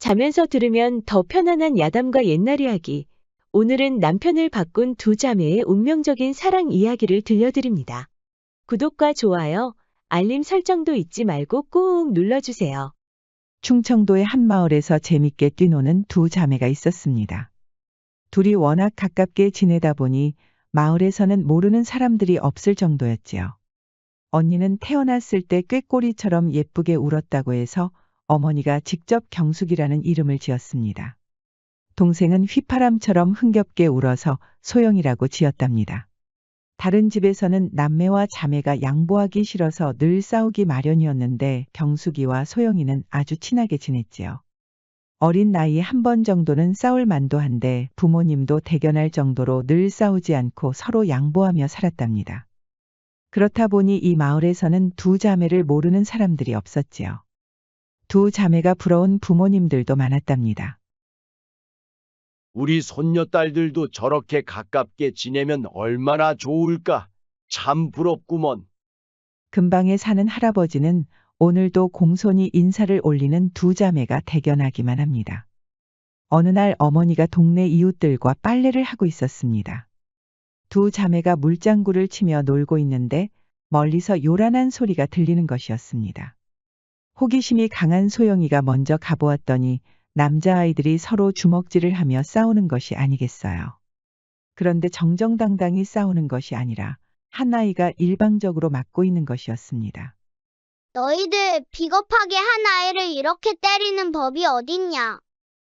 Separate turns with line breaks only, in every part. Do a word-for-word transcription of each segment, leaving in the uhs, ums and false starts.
자면서 들으면 더 편안한 야담과 옛날 이야기. 오늘은 남편을 바꾼 두 자매의 운명적인 사랑 이야기를 들려드립니다. 구독과 좋아요, 알림 설정도 잊지 말고 꾹 눌러주세요.
충청도의 한 마을에서 재밌게 뛰노는 두 자매가 있었습니다. 둘이 워낙 가깝게 지내다 보니 마을에서는 모르는 사람들이 없을 정도였지요. 언니는 태어났을 때 꾀꼬리처럼 예쁘게 울었다고 해서 어머니가 직접 경숙이라는 이름을 지었습니다. 동생은 휘파람처럼 흥겹게 울어서 소영이라고 지었답니다. 다른 집에서는 남매와 자매가 양보하기 싫어서 늘 싸우기 마련이었는데 경숙이와 소영이는 아주 친하게 지냈지요. 어린 나이에 한 번 정도는 싸울 만도 한데 부모님도 대견할 정도로 늘 싸우지 않고 서로 양보하며 살았답니다. 그렇다 보니 이 마을에서는 두 자매를 모르는 사람들이 없었지요. 두 자매가 부러운 부모님들도 많았답니다.
우리 손녀딸들도 저렇게 가깝게 지내면 얼마나 좋을까? 참 부럽구먼.
근방에 사는 할아버지는 오늘도 공손히 인사를 올리는 두 자매가 대견하기만 합니다. 어느 날 어머니가 동네 이웃들과 빨래를 하고 있었습니다. 두 자매가 물장구를 치며 놀고 있는데 멀리서 요란한 소리가 들리는 것이었습니다. 호기심이 강한 소영이가 먼저 가보았더니 남자아이들이 서로 주먹질을 하며 싸우는 것이 아니겠어요. 그런데 정정당당히 싸우는 것이 아니라 한 아이가 일방적으로 맞고 있는 것이었습니다.
너희들 비겁하게 한 아이를 이렇게 때리는 법이 어딨냐?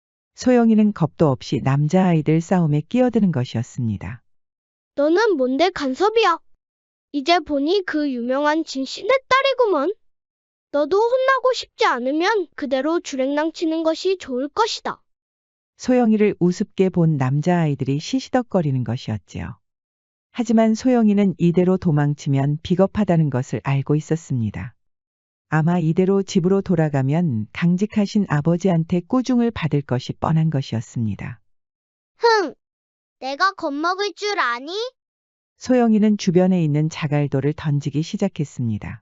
소영이는 겁도 없이 남자아이들 싸움에 끼어드는 것이었습니다.
너는 뭔데 간섭이야? 이제 보니 그 유명한 진씨네 딸이구먼. 너도 혼나고 싶지 않으면 그대로 주랭랑 치는 것이 좋을 것이다.
소영이를 우습게 본 남자아이들이 시시덕거리는 것이었지요. 하지만 소영이는 이대로 도망치면 비겁하다는 것을 알고 있었습니다. 아마 이대로 집으로 돌아가면 강직하신 아버지한테 꾸중을 받을 것이 뻔한 것이었습니다.
흥! 내가 겁먹을 줄 아니?
소영이는 주변에 있는 자갈돌을 던지기 시작했습니다.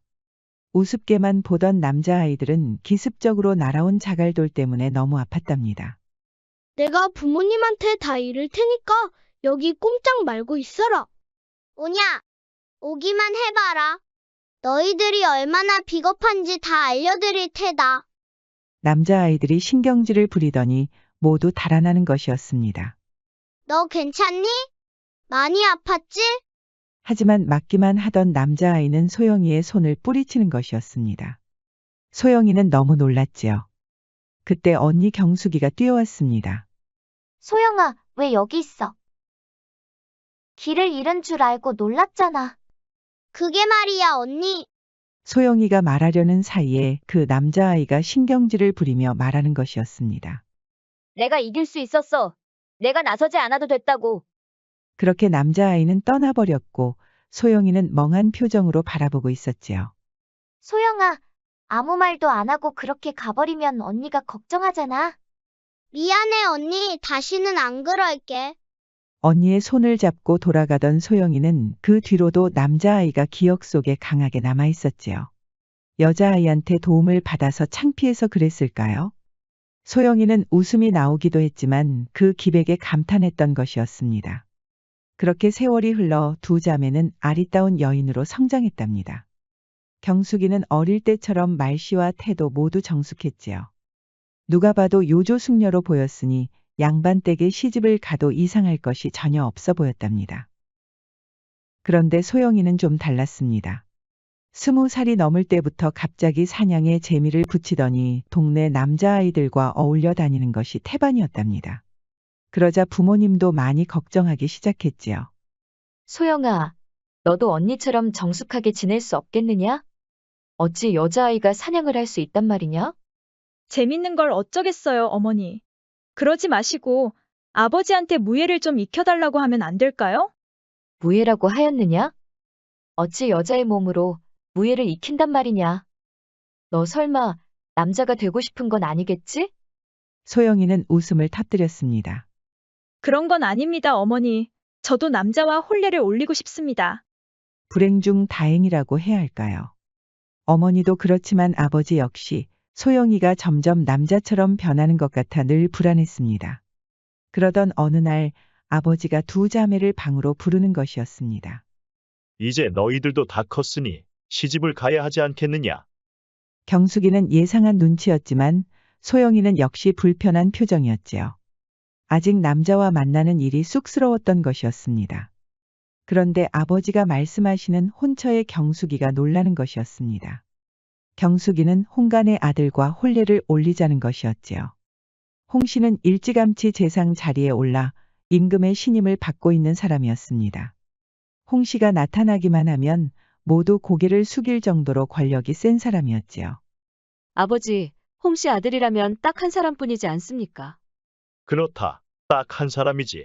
우습게만 보던 남자아이들은 기습적으로 날아온 자갈돌 때문에 너무 아팠답니다.
내가 부모님한테 다 이를 테니까 여기 꼼짝 말고 있어라. 오냐? 오기만 해봐라. 너희들이 얼마나 비겁한지 다 알려드릴 테다.
남자아이들이 신경질을 부리더니 모두 달아나는 것이었습니다.
너 괜찮니? 많이 아팠지?
하지만 맞기만 하던 남자아이는 소영이의 손을 뿌리치는 것이었습니다. 소영이는 너무 놀랐지요. 그때 언니 경숙이가 뛰어왔습니다.
소영아, 왜 여기 있어? 길을 잃은 줄 알고 놀랐잖아.
그게 말이야, 언니.
소영이가 말하려는 사이에 그 남자아이가 신경질을 부리며 말하는 것이었습니다.
내가 이길 수 있었어. 내가 나서지 않아도 됐다고.
그렇게 남자아이는 떠나버렸고 소영이는 멍한 표정으로 바라보고 있었지요.
소영아, 아무 말도 안 하고 그렇게 가버리면 언니가 걱정하잖아.
미안해, 언니. 다시는 안 그럴게.
언니의 손을 잡고 돌아가던 소영이는 그 뒤로도 남자아이가 기억 속에 강하게 남아 있었지요. 여자아이한테 도움을 받아서 창피해서 그랬을까요? 소영이는 웃음이 나오기도 했지만 그 기백에 감탄했던 것이었습니다. 그렇게 세월이 흘러 두 자매는 아리따운 여인으로 성장했답니다. 경숙이는 어릴 때처럼 말씨와 태도 모두 정숙했지요. 누가 봐도 요조숙녀로 보였으니 양반댁에 시집을 가도 이상할 것이 전혀 없어 보였답니다. 그런데 소영이는 좀 달랐습니다. 스무 살이 넘을 때부터 갑자기 사냥에 재미를 붙이더니 동네 남자아이들과 어울려 다니는 것이 태반이었답니다. 그러자 부모님도 많이 걱정하기 시작했지요.
소영아, 너도 언니처럼 정숙하게 지낼 수 없겠느냐? 어찌 여자아이가 사냥을 할 수 있단 말이냐?
재밌는 걸 어쩌겠어요, 어머니. 그러지 마시고 아버지한테 무예를 좀 익혀달라고 하면 안 될까요?
무예라고 하였느냐? 어찌 여자의 몸으로 무예를 익힌단 말이냐? 너 설마 남자가 되고 싶은 건 아니겠지?
소영이는 웃음을 터뜨렸습니다.
그런 건 아닙니다, 어머니. 저도 남자와 혼례를 올리고 싶습니다.
불행 중 다행이라고 해야 할까요? 어머니도 그렇지만 아버지 역시 소영이가 점점 남자처럼 변하는 것 같아 늘 불안했습니다. 그러던 어느 날 아버지가 두 자매를 방으로 부르는 것이었습니다.
이제 너희들도 다 컸으니 시집을 가야 하지 않겠느냐?
경숙이는 예상한 눈치였지만 소영이는 역시 불편한 표정이었지요. 아직 남자와 만나는 일이 쑥스러웠던 것이었습니다. 그런데 아버지가 말씀하시는 혼처의 경숙이가 놀라는 것이었습니다. 경숙이는 홍간의 아들과 혼례를 올리자는 것이었지요. 홍 씨는 일찌감치 재상 자리에 올라 임금의 신임을 받고 있는 사람이었습니다. 홍 씨가 나타나기만 하면 모두 고개를 숙일 정도로 권력이 센 사람이었지요.
아버지, 홍 씨 아들이라면 딱 한 사람뿐이지 않습니까?
그렇다. 딱 한 사람이지.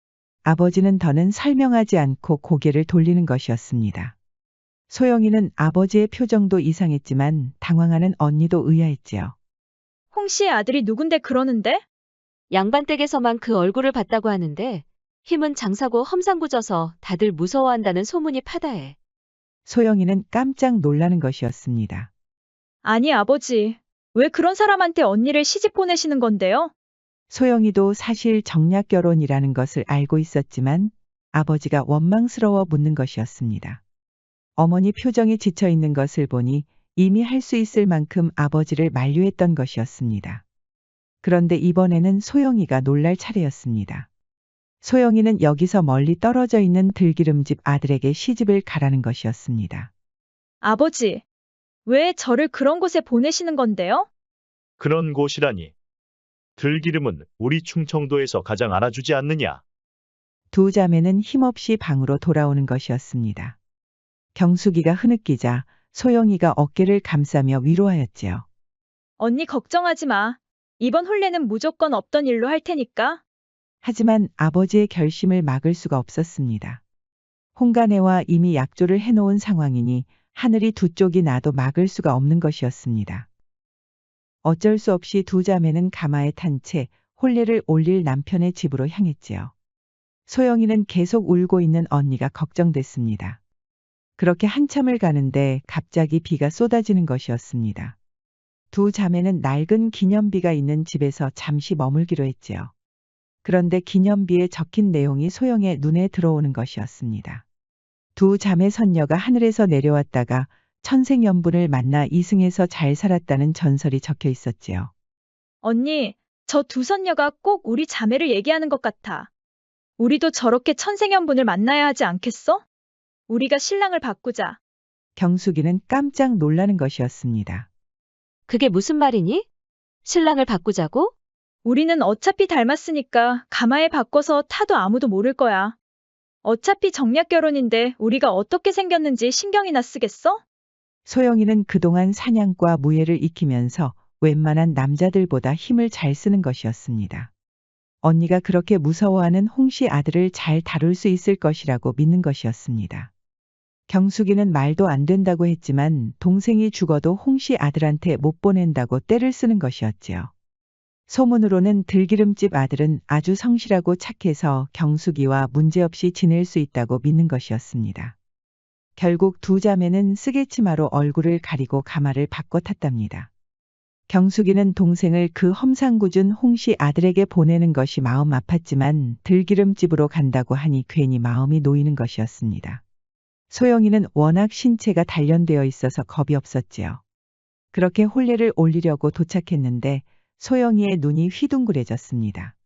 아버지는 더는 설명하지 않고 고개를 돌리는 것이었습니다. 소영이는 아버지의 표정도 이상했지만 당황하는 언니도 의아했지요.
홍 씨의 아들이 누군데 그러는데?
양반댁에서만 그 얼굴을 봤다고 하는데 힘은 장사고 험상궂어서 다들 무서워한다는 소문이 파다해.
소영이는 깜짝 놀라는 것이었습니다.
아니 아버지, 왜 그런 사람한테 언니를 시집 보내시는 건데요?
소영이도 사실 정략 결혼이라는 것을 알고 있었지만 아버지가 원망스러워 묻는 것이었습니다. 어머니 표정이 지쳐 있는 것을 보니 이미 할 수 있을 만큼 아버지를 만류했던 것이었습니다. 그런데 이번에는 소영이가 놀랄 차례였습니다. 소영이는 여기서 멀리 떨어져 있는 들기름집 아들에게 시집을 가라는 것이었습니다.
아버지, 왜 저를 그런 곳에 보내시는 건데요?
그런 곳이라니. 들기름은 우리 충청도에서 가장 알아주지 않느냐?
두 자매는 힘없이 방으로 돌아오는 것이었습니다. 경숙이가 흐느끼자 소영이가 어깨를 감싸며 위로하였지요.
언니 걱정하지 마. 이번 혼례는 무조건 없던 일로 할 테니까.
하지만 아버지의 결심을 막을 수가 없었습니다. 홍간애와 이미 약조를 해놓은 상황이니 하늘이 두 쪽이 나도 막을 수가 없는 것이었습니다. 어쩔 수 없이 두 자매는 가마에 탄 채 혼례를 올릴 남편의 집으로 향했지요. 소영이는 계속 울고 있는 언니가 걱정됐습니다. 그렇게 한참을 가는데 갑자기 비가 쏟아지는 것이었습니다. 두 자매는 낡은 기념비가 있는 집에서 잠시 머물기로 했지요. 그런데 기념비에 적힌 내용이 소영의 눈에 들어오는 것이었습니다. 두 자매 선녀가 하늘에서 내려왔다가 천생연분을 만나 이승에서 잘 살았다는 전설이 적혀 있었지요.
언니, 저 두 선녀가 꼭 우리 자매를 얘기하는 것 같아. 우리도 저렇게 천생연분을 만나야 하지 않겠어? 우리가 신랑을 바꾸자.
경숙이는 깜짝 놀라는 것이었습니다.
그게 무슨 말이니? 신랑을 바꾸자고?
우리는 어차피 닮았으니까 가마에 바꿔서 타도 아무도 모를 거야. 어차피 정략 결혼인데 우리가 어떻게 생겼는지 신경이나 쓰겠어?
소영이는 그동안 사냥과 무예를 익히면서 웬만한 남자들보다 힘을 잘 쓰는 것이었습니다. 언니가 그렇게 무서워하는 홍씨 아들을 잘 다룰 수 있을 것이라고 믿는 것이었습니다. 경숙이는 말도 안 된다고 했지만 동생이 죽어도 홍씨 아들한테 못 보낸다고 떼를 쓰는 것이었지요. 소문으로는 들기름집 아들은 아주 성실하고 착해서 경숙이와 문제없이 지낼 수 있다고 믿는 것이었습니다. 결국 두 자매는 쓰개치마로 얼굴을 가리고 가마를 바꿔 탔답니다. 경숙이는 동생을 그 험상궂은 홍씨 아들에게 보내는 것이 마음 아팠지만 들기름집으로 간다고 하니 괜히 마음이 놓이는 것이었습니다. 소영이는 워낙 신체가 단련되어 있어서 겁이 없었지요. 그렇게 혼례를 올리려고 도착했는데 소영이의 눈이 휘둥그레졌습니다.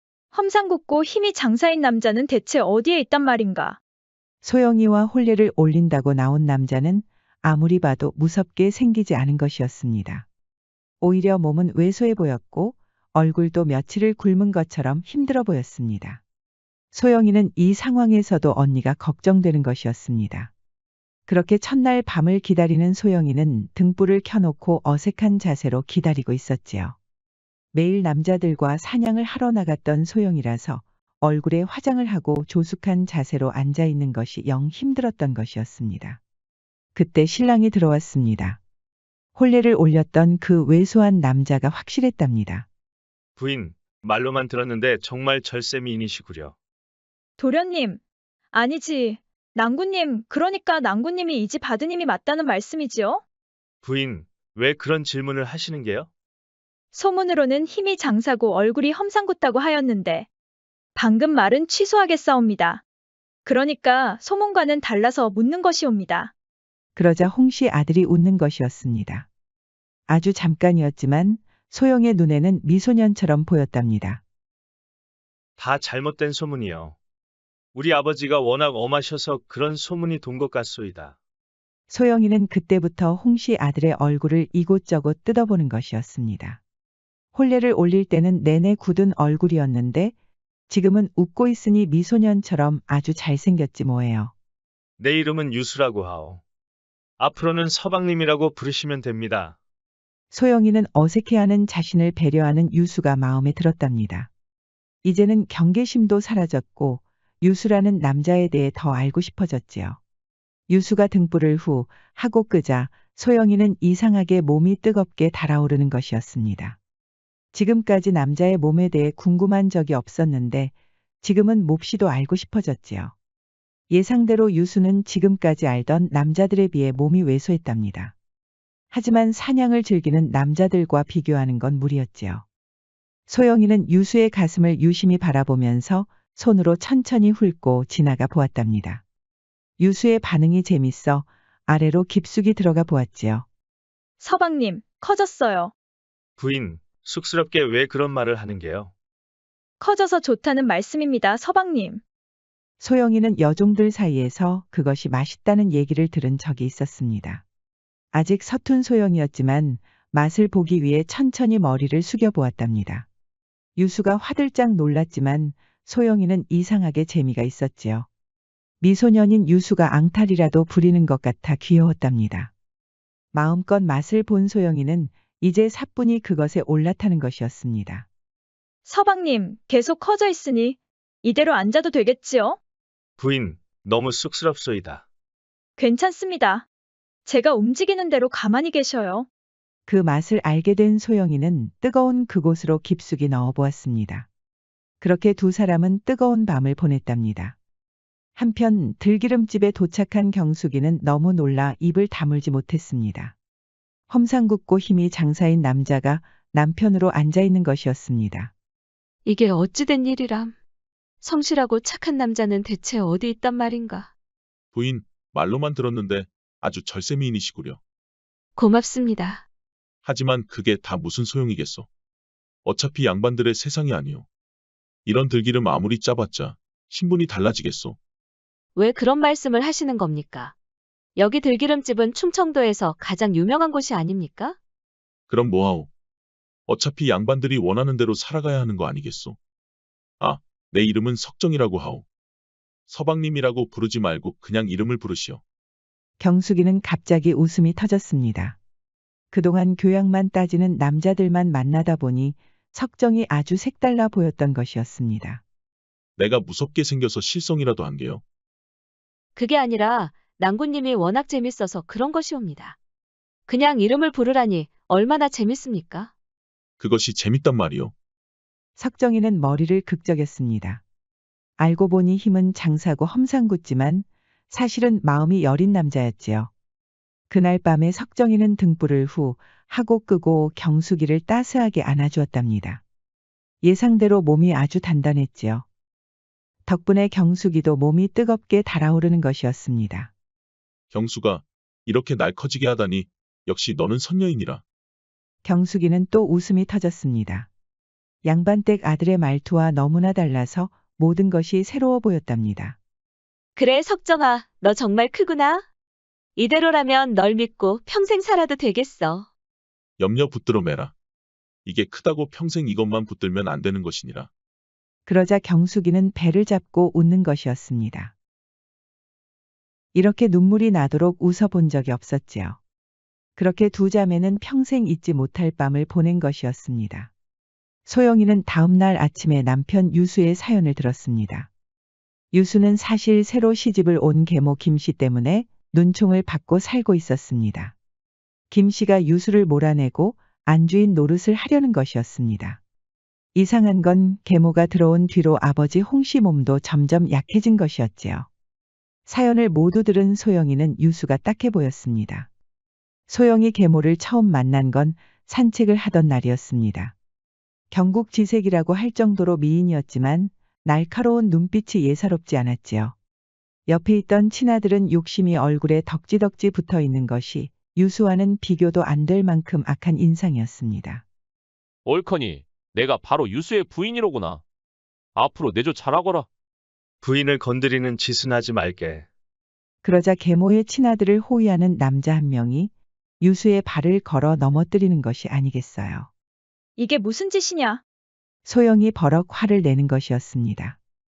험상궂고 힘이 장사인 남자는 대체 어디에 있단 말인가?
소영이와 혼례를 올린다고 나온 남자는 아무리 봐도 무섭게 생기지 않은 것이었습니다. 오히려 몸은 왜소해 보였고 얼굴도 며칠을 굶은 것처럼 힘들어 보였습니다. 소영이는 이 상황에서도 언니가 걱정되는 것이었습니다. 그렇게 첫날 밤을 기다리는 소영이는 등불을 켜놓고 어색한 자세로 기다리고 있었지요. 매일 남자들과 사냥을 하러 나갔던 소영이라서 얼굴에 화장을 하고 조숙한 자세로 앉아 있는 것이 영 힘들었던 것이었습니다. 그때 신랑이 들어왔습니다. 혼례를 올렸던 그 왜소한 남자가 확실했답니다.
부인, 말로만 들었는데 정말 절세미인이시구려.
도련님, 아니지. 낭구님, 그러니까 낭구님이 이 집 아드님이 맞다는 말씀이지요?
부인, 왜 그런 질문을 하시는 게요?
소문으로는 힘이 장사고 얼굴이 험상궂다고 하였는데 방금 말은 취소하겠사옵니다. 그러니까 소문과는 달라서 묻는 것이옵니다.
그러자 홍씨 아들이 웃는 것이었습니다. 아주 잠깐이었지만 소영의 눈에는 미소년처럼 보였답니다.
다 잘못된 소문이요. 우리 아버지가 워낙 엄하셔서 그런 소문이 돈 것 같소이다.
소영이는 그때부터 홍씨 아들의 얼굴을 이곳저곳 뜯어보는 것이었습니다. 혼례를 올릴 때는 내내 굳은 얼굴이었는데 지금은 웃고 있으니 미소년처럼 아주 잘생겼지 뭐예요.
내 이름은 유수라고 하오. 앞으로는 서방님이라고 부르시면 됩니다.
소영이는 어색해하는 자신을 배려하는 유수가 마음에 들었답니다. 이제는 경계심도 사라졌고 유수라는 남자에 대해 더 알고 싶어졌지요. 유수가 등불을 후 하고 끄자 소영이는 이상하게 몸이 뜨겁게 달아오르는 것이었습니다. 지금까지 남자의 몸에 대해 궁금한 적이 없었는데 지금은 몹시도 알고 싶어졌지요. 예상대로 유수는 지금까지 알던 남자들에 비해 몸이 왜소했답니다. 하지만 사냥을 즐기는 남자들과 비교하는 건 무리였지요. 소영이는 유수의 가슴을 유심히 바라보면서 손으로 천천히 훑고 지나가 보았답니다. 유수의 반응이 재밌어 아래로 깊숙이 들어가 보았지요.
서방님, 커졌어요.
부인, 쑥스럽게 왜 그런 말을 하는 게요?
커져서 좋다는 말씀입니다, 서방님.
소영이는 여종들 사이에서 그것이 맛있다는 얘기를 들은 적이 있었습니다. 아직 서툰 소영이었지만 맛을 보기 위해 천천히 머리를 숙여보았답니다. 유수가 화들짝 놀랐지만 소영이는 이상하게 재미가 있었지요. 미소년인 유수가 앙탈이라도 부리는 것 같아 귀여웠답니다. 마음껏 맛을 본 소영이는 이제 사뿐히 그것에 올라타는 것이었습니다.
서방님, 계속 커져 있으니 이대로 앉아도 되겠지요?
부인, 너무 쑥스럽소이다.
괜찮습니다. 제가 움직이는 대로 가만히 계셔요.
그 맛을 알게 된 소영이는 뜨거운 그곳으로 깊숙이 넣어보았습니다. 그렇게 두 사람은 뜨거운 밤을 보냈답니다. 한편 들기름집에 도착한 경숙이는 너무 놀라 입을 다물지 못했습니다. 험상궂고 힘이 장사인 남자가 남편으로 앉아있는 것이었습니다.
이게 어찌된 일이람. 성실하고 착한 남자는 대체 어디 있단 말인가.
부인, 말로만 들었는데 아주 절세미인이시구려.
고맙습니다.
하지만 그게 다 무슨 소용이겠소. 어차피 양반들의 세상이 아니오. 이런 들기름 아무리 짜봤자 신분이 달라지겠소.
왜 그런 말씀을 하시는 겁니까? 여기 들기름집은 충청도에서 가장 유명한 곳이 아닙니까?
그럼 뭐하오. 어차피 양반들이 원하는 대로 살아가야 하는 거 아니겠소. 아, 내 이름은 석정이라고 하오. 서방님이라고 부르지 말고 그냥 이름을 부르시오.
경숙이는 갑자기 웃음이 터졌습니다. 그동안 교양만 따지는 남자들만 만나다 보니 석정이 아주 색달라 보였던 것이었습니다.
내가 무섭게 생겨서 실성이라도 한 게요.
그게 아니라 낭군님이 워낙 재밌어서 그런 것이옵니다. 그냥 이름을 부르라니 얼마나 재밌습니까?
그것이 재밌단 말이오.
석정이는 머리를 극적였습니다. 알고 보니 힘은 장사고 험상궂지만 사실은 마음이 여린 남자였지요. 그날 밤에 석정이는 등불을 후 하고 끄고 경숙이를 따스하게 안아주었답니다. 예상대로 몸이 아주 단단했지요. 덕분에 경숙이도 몸이 뜨겁게 달아오르는 것이었습니다.
경수가 이렇게 날 커지게 하다니 역시 너는 선녀이니라.
경숙이는 또 웃음이 터졌습니다. 양반댁 아들의 말투와 너무나 달라서 모든 것이 새로워 보였답니다.
그래, 석정아, 너 정말 크구나. 이대로라면 널 믿고 평생 살아도 되겠어.
염려 붙들어 매라. 이게 크다고 평생 이것만 붙들면 안 되는 것이니라.
그러자 경숙이는 배를 잡고 웃는 것이었습니다. 이렇게 눈물이 나도록 웃어본 적이 없었지요. 그렇게 두 자매는 평생 잊지 못할 밤을 보낸 것이었습니다. 소영이는 다음 날 아침에 남편 유수의 사연을 들었습니다. 유수는 사실 새로 시집을 온 계모 김씨 때문에 눈총을 받고 살고 있었습니다. 김씨가 유수를 몰아내고 안주인 노릇을 하려는 것이었습니다. 이상한 건 계모가 들어온 뒤로 아버지 홍씨 몸도 점점 약해진 것이었지요. 사연을 모두 들은 소영이는 유수가 딱해 보였습니다. 소영이 계모를 처음 만난 건 산책을 하던 날이었습니다. 경국지색이라고 할 정도로 미인이었지만 날카로운 눈빛이 예사롭지 않았지요. 옆에 있던 친아들은 욕심이 얼굴에 덕지덕지 붙어 있는 것이 유수와는 비교도 안 될 만큼 악한 인상이었습니다.
옳거니 내가 바로 유수의 부인이로구나. 앞으로 내조 잘하거라.
부인을 건드리는 짓은 하지 말게.
그러자 계모의 친아들을 호위하는 남자 한 명이 유수의 발을 걸어 넘어뜨리는 것이 아니겠어요.
이게 무슨 짓이냐?
소영이 버럭 화를 내는 것이었습니다.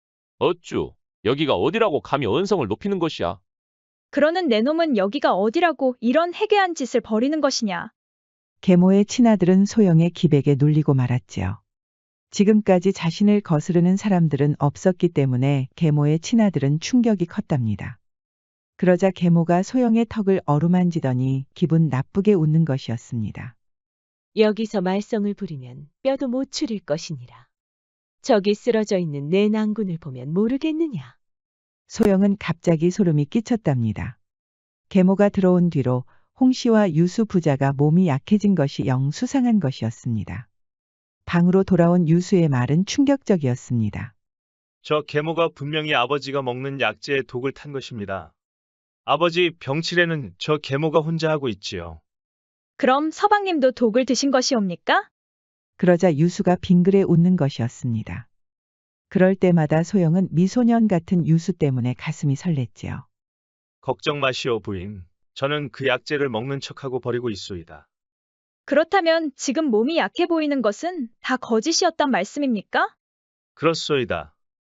어쭈, 여기가 어디라고 감히 언성을 높이는 것이야.
그러는 내 놈은 여기가 어디라고 이런 해괴한 짓을 벌이는 것이냐?
계모의 친아들은 소영의 기백에 눌리고 말았지요. 지금까지 자신을 거스르는 사람들은 없었기 때문에 계모의 친아들은 충격이 컸답니다. 그러자 계모가 소영의 턱을 어루만지더니 기분 나쁘게 웃는 것이었습니다.
여기서 말썽을 부리면 뼈도 못 추릴 것이니라. 저기 쓰러져 있는 내 낭군을 보면 모르겠느냐.
소영은 갑자기 소름이 끼쳤답니다. 계모가 들어온 뒤로 홍 씨와 유수 부자가 몸이 약해진 것이 영 수상한 것이었습니다. 방으로 돌아온 유수의 말은 충격적이었습니다.
저 계모가 분명히 아버지가 먹는 약재에 독을 탄 것입니다. 아버지 병치레는 저 계모가 혼자 하고 있지요.
그럼 서방님도 독을 드신 것이옵니까?
그러자 유수가 빙그레 웃는 것이었습니다. 그럴 때마다 소영은 미소년 같은 유수 때문에 가슴이 설렜지요.
걱정 마시오 부인. 저는 그 약재를 먹는 척하고 버리고 있소이다.
그렇다면 지금 몸이 약해 보이는 것은 다 거짓이었단 말씀입니까?
그렇소이다.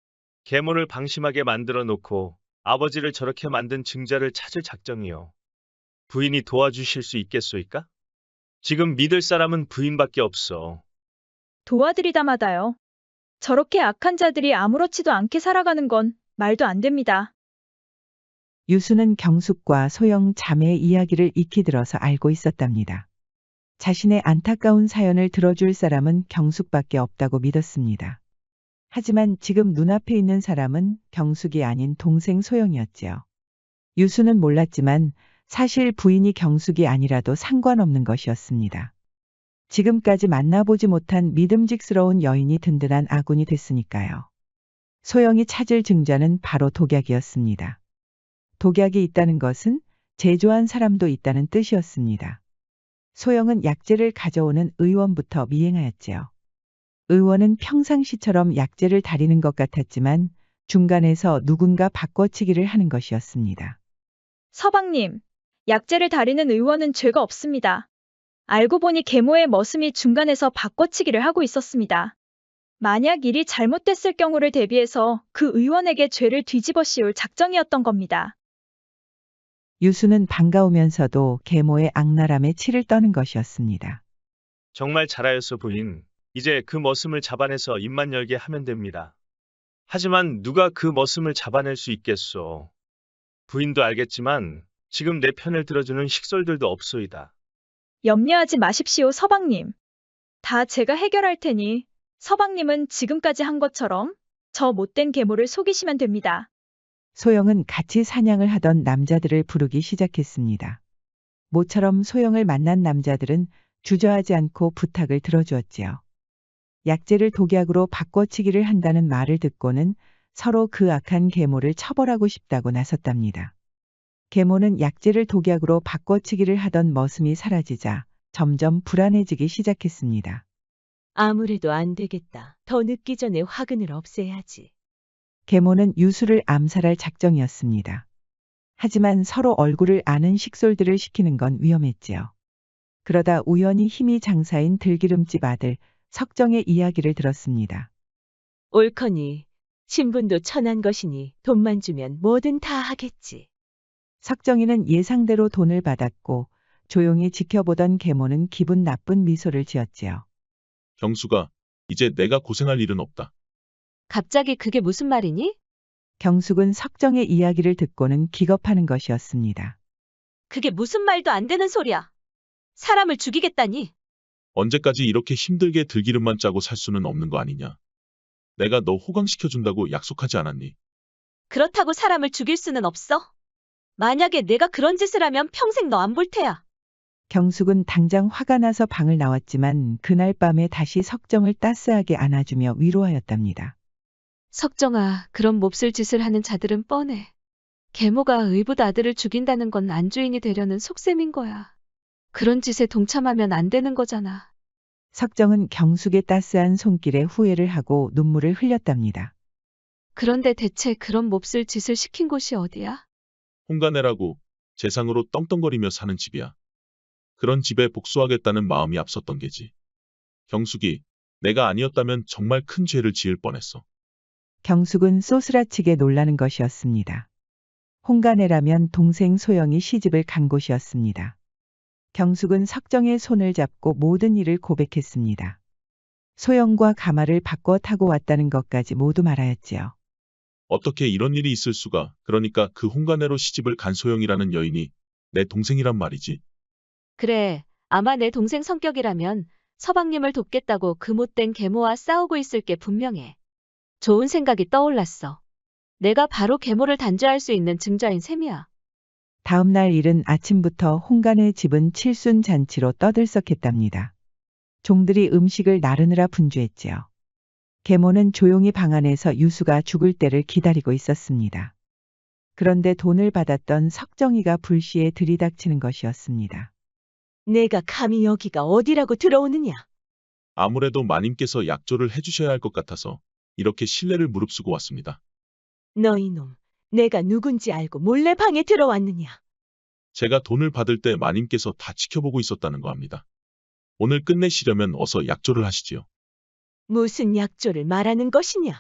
계모를 방심하게 만들어 놓고 아버지를 저렇게 만든 증자를 찾을 작정이요. 부인이 도와주실 수 있겠소이까? 지금 믿을 사람은 부인밖에 없어.
도와드리다마다요. 저렇게 악한 자들이 아무렇지도 않게 살아가는 건 말도 안 됩니다.
유수는 경숙과 소영 자매의 이야기를 익히 들어서 알고 있었답니다. 자신의 안타까운 사연을 들어줄 사람은 경숙밖에 없다고 믿었습니다. 하지만 지금 눈앞에 있는 사람은 경숙이 아닌 동생 소영이었지요. 유수는 몰랐지만 사실 부인이 경숙이 아니라도 상관없는 것이었습니다. 지금까지 만나보지 못한 믿음직스러운 여인이 든든한 아군이 됐으니까요. 소영이 찾을 증자는 바로 독약이었습니다. 독약이 있다는 것은 제조한 사람도 있다는 뜻이었습니다. 소영은 약재를 가져오는 의원부터 미행하였지요. 의원은 평상시처럼 약재를 다리는 것 같았지만 중간에서 누군가 바꿔치기를 하는 것이었습니다.
서방님, 약재를 다리는 의원은 죄가 없습니다. 알고 보니 계모의 머슴이 중간에서 바꿔치기를 하고 있었습니다. 만약 일이 잘못됐을 경우를 대비해서 그 의원에게 죄를 뒤집어 씌울 작정이었던 겁니다.
유수는 반가우면서도 계모의 악랄함에 치를 떠는 것이었습니다.
정말 잘하였소 부인. 이제 그 머슴을 잡아내서 입만 열게 하면 됩니다. 하지만 누가 그 머슴을 잡아낼 수 있겠소. 부인도 알겠지만 지금 내 편을 들어주는 식솔들도 없소이다.
염려하지 마십시오, 서방님. 다 제가 해결할 테니 서방님은 지금까지 한 것처럼 저 못된 계모를 속이시면 됩니다.
소영은 같이 사냥을 하던 남자들을 부르기 시작했습니다. 모처럼 소영을 만난 남자들은 주저하지 않고 부탁을 들어주었지요. 약재를 독약으로 바꿔치기를 한다는 말을 듣고는 서로 그 악한 계모를 처벌하고 싶다고 나섰답니다. 계모는 약재를 독약으로 바꿔치기를 하던 머슴이 사라지자 점점 불안해지기 시작했습니다.
아무래도 안 되겠다. 더 늦기 전에 화근을 없애야지.
계모는 유수를 암살할 작정이었습니다. 하지만 서로 얼굴을 아는 식솔들을 시키는 건 위험했지요. 그러다 우연히 힘이 장사인 들기름집 아들 석정의 이야기를 들었습니다.
옳거니 신분도 천한 것이니 돈만 주면 뭐든 다 하겠지.
석정이는 예상대로 돈을 받았고 조용히 지켜보던 계모는 기분 나쁜 미소를 지었지요.
경수가 이제 내가 고생할 일은 없다.
갑자기 그게 무슨 말이니?
경숙은 석정의 이야기를 듣고는 기겁하는 것이었습니다.
그게 무슨 말도 안 되는 소리야. 사람을 죽이겠다니.
언제까지 이렇게 힘들게 들기름만 짜고 살 수는 없는 거 아니냐. 내가 너 호강시켜준다고 약속하지 않았니?
그렇다고 사람을 죽일 수는 없어. 만약에 내가 그런 짓을 하면 평생 너 안 볼 테야.
경숙은 당장 화가 나서 방을 나왔지만 그날 밤에 다시 석정을 따스하게 안아주며 위로하였답니다.
석정아, 그런 몹쓸 짓을 하는 자들은 뻔해. 계모가 의붓 아들을 죽인다는 건 안주인이 되려는 속셈인 거야. 그런 짓에 동참하면 안 되는 거잖아.
석정은 경숙의 따스한 손길에 후회를 하고 눈물을 흘렸답니다.
그런데 대체 그런 몹쓸 짓을 시킨 곳이 어디야?
홍가네라고 재상으로 떵떵거리며 사는 집이야. 그런 집에 복수하겠다는 마음이 앞섰던 게지. 경숙이 내가 아니었다면 정말 큰 죄를 지을 뻔했어.
경숙은 쏘스라치게 놀라는 것이었습니다. 홍가네라면 동생 소영이 시집을 간 곳이었습니다. 경숙은 석정의 손을 잡고 모든 일을 고백했습니다. 소영과 가마를 바꿔 타고 왔다는 것까지 모두 말하였지요.
어떻게 이런 일이 있을 수가. 그러니까 그 홍가네로 시집을 간 소영이라는 여인이 내 동생이란 말이지.
그래, 아마 내 동생 성격이라면 서방님을 돕겠다고 그 못된 계모와 싸우고 있을 게 분명해. 좋은 생각이 떠올랐어. 내가 바로 계모를 단죄할 수 있는 증자인 셈이야.
다음 날 이른 아침부터 홍가네 집은 칠순잔치로 떠들썩했답니다. 종들이 음식을 나르느라 분주했지요. 계모는 조용히 방 안에서 유수가 죽을 때를 기다리고 있었습니다. 그런데 돈을 받았던 석정이가 불시에 들이닥치는 것이었습니다.
내가 감히 여기가 어디라고 들어오느냐?
아무래도 마님께서 약조를 해주셔야 할 것 같아서 이렇게 신뢰를 무릅쓰고 왔습니다.
너 이놈, 내가 누군지 알고 몰래 방에 들어왔느냐?
제가 돈을 받을 때 마님께서 다 지켜보고 있었다는 거 합니다. 오늘 끝내시려면 어서 약조를 하시지요.
무슨 약조를 말하는 것이냐?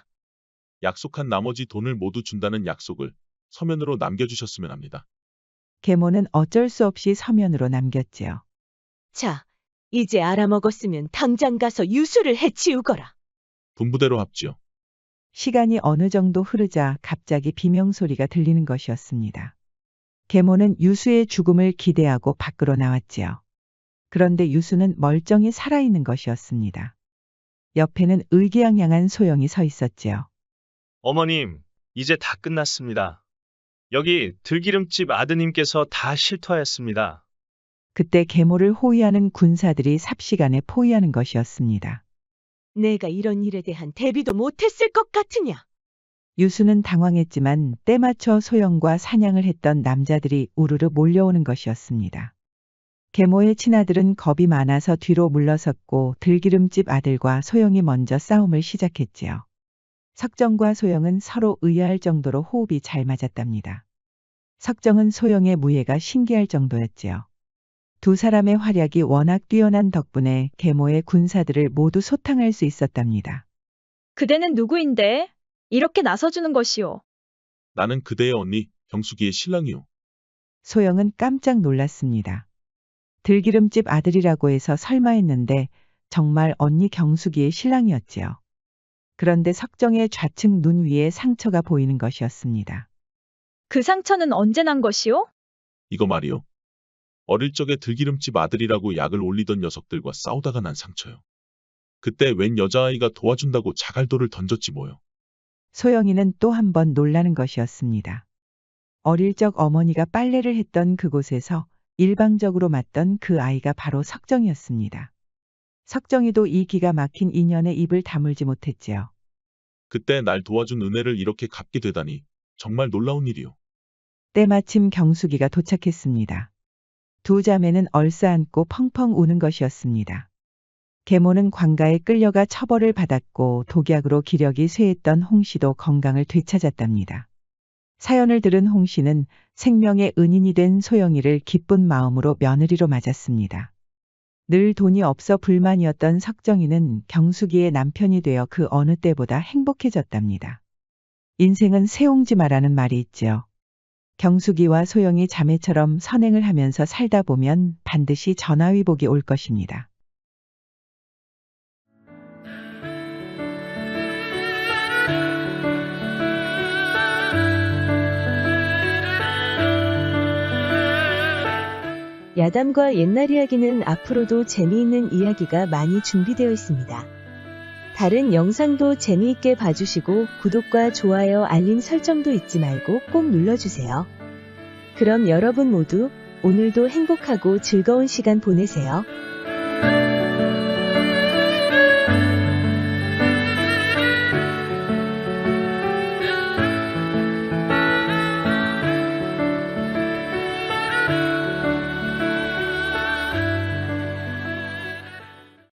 약속한 나머지 돈을 모두 준다는 약속을 서면으로 남겨주셨으면 합니다.
계모는 어쩔 수 없이 서면으로 남겼지요.
자, 이제 알아먹었으면 당장 가서 유수를 해치우거라.
분부대로 합지요.
시간이 어느 정도 흐르자 갑자기 비명소리가 들리는 것이었습니다. 계모는 유수의 죽음을 기대하고 밖으로 나왔지요. 그런데 유수는 멀쩡히 살아있는 것이었습니다. 옆에는 의기양양한 소영이 서 있었지요.
어머님, 이제 다 끝났습니다. 여기 들기름집 아드님께서 다 실토하였습니다.
그때 계모를 호위하는 군사들이 삽시간에 포위하는 것이었습니다.
내가 이런 일에 대한 대비도 못했을 것 같으냐?
유수는 당황했지만 때맞춰 소영과 사냥을 했던 남자들이 우르르 몰려오는 것이었습니다. 계모의 친아들은 겁이 많아서 뒤로 물러섰고 들기름집 아들과 소영이 먼저 싸움을 시작했지요. 석정과 소영은 서로 의아할 정도로 호흡이 잘 맞았답니다. 석정은 소영의 무예가 신기할 정도였지요. 두 사람의 활약이 워낙 뛰어난 덕분에 계모의 군사들을 모두 소탕할 수 있었답니다.
그대는 누구인데? 이렇게 나서주는 것이오.
나는 그대의 언니 경숙이의 신랑이요.
소영은 깜짝 놀랐습니다. 들기름집 아들이라고 해서 설마 했는데 정말 언니 경숙이의 신랑이었지요. 그런데 석정의 좌측 눈 위에 상처가 보이는 것이었습니다.
그 상처는 언제 난 것이오?
이거 말이요. 어릴 적에 들기름집 아들이라고 약을 올리던 녀석들과 싸우다가 난 상처요. 그때 웬 여자아이가 도와준다고 자갈돌을 던졌지 뭐요.
소영이는 또 한 번 놀라는 것이었습니다. 어릴 적 어머니가 빨래를 했던 그곳에서 일방적으로 맞던 그 아이가 바로 석정이었습니다. 석정이도 이 기가 막힌 인연에 입을 다물지 못했지요.
그때 날 도와준 은혜를 이렇게 갚게 되다니 정말 놀라운 일이요.
때마침 경숙이가 도착했습니다. 두 자매는 얼싸안고 펑펑 우는 것이었습니다. 계모는 관가에 끌려가 처벌을 받았고 독약으로 기력이 쇠했던 홍씨도 건강을 되찾았답니다. 사연을 들은 홍씨는 생명의 은인이 된 소영이를 기쁜 마음으로 며느리로 맞았습니다. 늘 돈이 없어 불만이었던 석정이는 경숙이의 남편이 되어 그 어느 때보다 행복해졌답니다. 인생은 새옹지마라는 말이 있지요. 경숙이와 소영이 자매처럼 선행을 하면서 살다 보면 반드시 전화위복이 올 것입니다.
야담과 옛날 이야기는 앞으로도 재미있는 이야기가 많이 준비되어 있습니다. 다른 영상도 재미있게 봐주시고 구독과 좋아요, 알림 설정도 잊지 말고 꼭 눌러주세요. 그럼 여러분 모두 오늘도 행복하고 즐거운 시간 보내세요.